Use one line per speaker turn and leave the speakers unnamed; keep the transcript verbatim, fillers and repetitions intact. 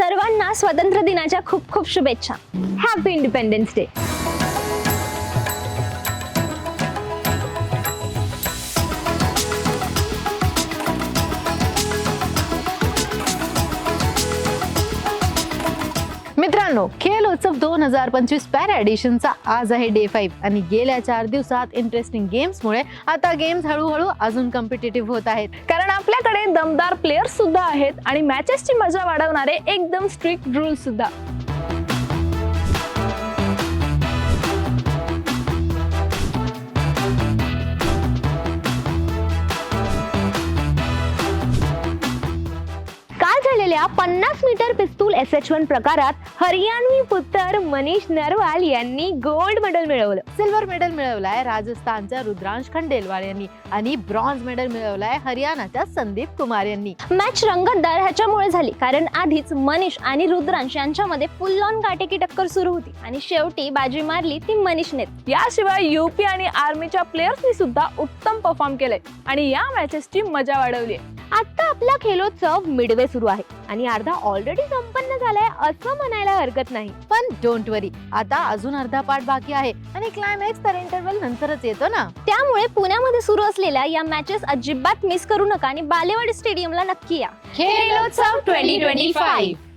सर्वांना स्वातंत्र्य दिनाच्या खूप खूप शुभेच्छा. Happy independence day.
मित्रांनो, खेल उत्सव दोन हजार पंचवीस पॅरा एडिशनचा आज आहे डे फाईव्ह आणि गेल्या चार दिवसात इंटरेस्टिंग गेम्समुळे आता गेम्स हळूहळू अजून कॉम्पिटिटिव्ह होत आहेत.
कारण आपल्याकडे दमदार प्लेयर्स सुद्धा आहेत आणि मॅचेसची मजा वाढवणारे एकदम स्ट्रिक्ट रूल्स सुद्धा.
झालेल्या पन्नास मीटर पिस्तूल एस एच वन प्रकारात हरियाणवी पुत्र मनीष नरवाल यांनी गोल्ड मेडल मिळवलं.
सिल्वर मेडल मिळवलाय राजस्थानच्या रुद्रांश खंडेलवाल यांनी आणि ब्रॉन्झ मेडल मिळवलाय हरियाणाच्या संदीप कुमार यांनी.
मॅच रंगतदार ह्याच्यामुळे झाली कारण आधीच मनीष आणि रुद्रांश यांच्यामध्ये फुल ऑन काटेकी टक्कर सुरू होती आणि शेवटी बाजी मारली ती मनीषने.
याशिवाय युपी आणि आर्मीच्या प्लेयर्सनी सुद्धा उत्तम परफॉर्म केलंय आणि या मॅचेसची मजा वाढवली.
आता आपला खेलोत्सव मिडवे सुरू आहे आणि अर्धा ऑलरेडी संपन्न झालाय असं म्हणायला हरकत नाही.
पण डोंट वरी, आता अजून अर्धा पार्ट बाकी आहे आणि क्लायमॅक्स तर इंटरव्हल नंतरच येतो ना.
त्यामुळे पुण्यामध्ये सुरू असलेल्या या मॅचेस अजिबात मिस करू नका आणि बालेवाडी स्टेडियमला नक्की या.
खेलोत्सव ट्वेंटी ट्वेंटी फाईव्ह